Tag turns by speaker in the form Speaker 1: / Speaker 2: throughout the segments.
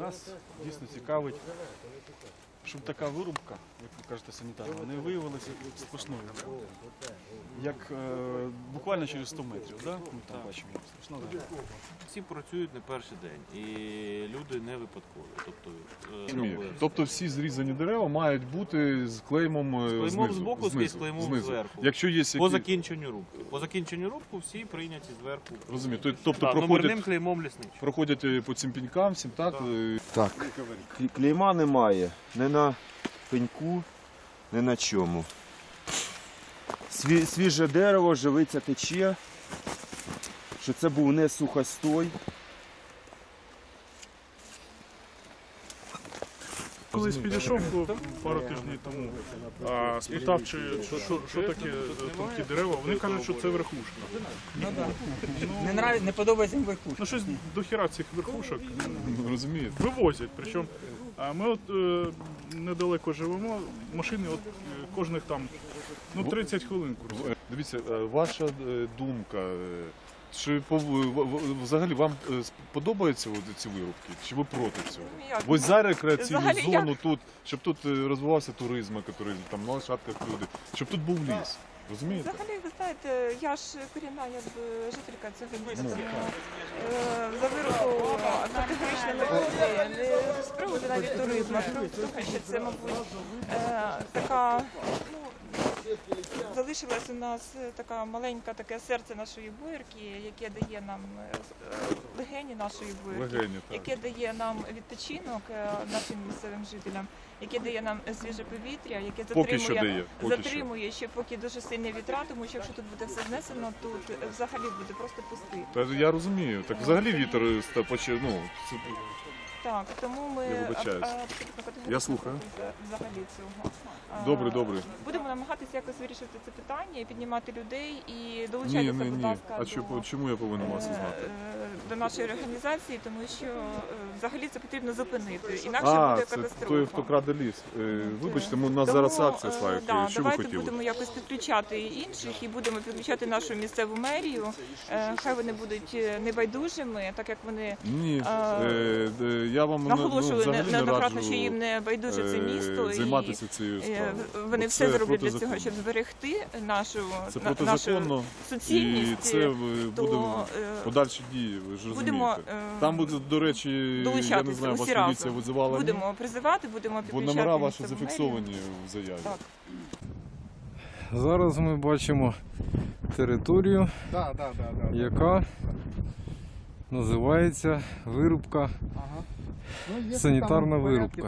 Speaker 1: Нас дійсно цікавить, щоб така вирубка, як ви кажете, санітарна, не виявилася сплошною. Як буквально через 100 метрів, да? Ми там бачимо.
Speaker 2: Всі працюють не перший день, і люди не випадкові.
Speaker 1: Тобто всі зрізані дерева мають бути з клеймом знизу,
Speaker 2: збоку, з клеймом зверху.
Speaker 1: Якщо є які...
Speaker 2: По закінченню рубки. По закінченню рубки всі прийняті зверху.
Speaker 1: Розумію. Тобто
Speaker 2: номерним клеймом лісничого.
Speaker 1: проходять по цим пенькам, всім так?
Speaker 3: Так, клейма немає, не на пеньку, не на чому. Свіже дерево, живиця тече, що це був не сухостой.
Speaker 4: Колись підійшов пару тижнів тому, спитав, що таке тонкі дерева. Вони кажуть, що це верхушка.
Speaker 5: Не подобається їм верхушка.
Speaker 4: Ну щось до хіра цих верхушок
Speaker 1: Розумієте?
Speaker 4: вивозять. Причому ми от недалеко живемо, машини от кожних там 30 хвилин курсують.
Speaker 1: Дивіться, ваша думка, чи взагалі вам подобаються ці вирубки, чи ви проти цього? Ось за рекреаційну зону тут, щоб тут розвивався туризм, який там на лошадках люди, щоб тут був ліс. Розумієте?
Speaker 6: Взагалі, ви знаєте, я ж корінна жителька цього міста, тому за вирубку категорично не проти, не з приводу навіть туризму, а з приводу того, що це, мабуть, така, залишилось у нас така маленька таке серце нашої боярки, яке дає нам легені нашої боярки, яке дає нам відпочинок нашим місцевим жителям, яке дає нам свіже повітря, яке затримує ще поки дуже сильні вітра, тому що якщо тут буде все знесено, тут взагалі буде просто пустий.
Speaker 1: Я розумію. Так взагалі вітер почав,
Speaker 6: Так, тому ми абсолютно
Speaker 1: Я слухаю.
Speaker 6: взагалі цього.
Speaker 1: Добре.
Speaker 6: Будемо намагатися якось вирішити це питання і піднімати людей і долучайтеся, будь ласка,
Speaker 1: чому я повинен вас знати?
Speaker 6: До нашої організації, тому що взагалі це потрібно зупинити, інакше буде катастрофа.
Speaker 1: Це той, хто краде ліс. Вибачте, у нас зараз акція слайд. Що ви
Speaker 6: давайте
Speaker 1: хотіли?
Speaker 6: будемо якось підключати інших і будемо підключати нашу місцеву мерію. Хай вони будуть небайдужими, так як вони
Speaker 1: я вам
Speaker 6: наголошували неоднократно,
Speaker 1: раджу
Speaker 6: що їм не байдуже це місто.
Speaker 1: Займатися цією справою.
Speaker 6: Вони все зроблять для цього, щоб зберегти нашу суцільність.
Speaker 1: І це буде подальші дії, ви ж розумієте. Там буде, до речі, я не знаю, вас поліція визивала.
Speaker 6: Будемо призивати, будемо підключати.
Speaker 1: Бо номера ваші зафіксовані в заяві.
Speaker 6: Так.
Speaker 7: Зараз ми бачимо територію, яка називається вирубка, санітарна вирубка.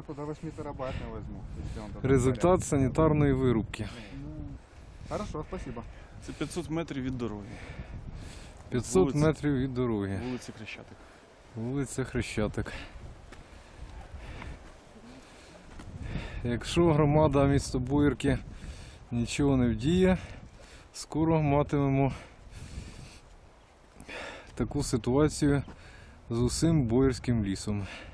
Speaker 7: Результат санітарної вирубки.
Speaker 8: Хорошо, спасибо.
Speaker 1: Це 500 метрів від дороги.
Speaker 7: 500 метрів від дороги.
Speaker 1: Вулиця Хрещатик.
Speaker 7: Вулиця Хрещатик. Якщо громада міста Боярки нічого не вдіє, скоро матимемо таку ситуацію з усім боярським лісом.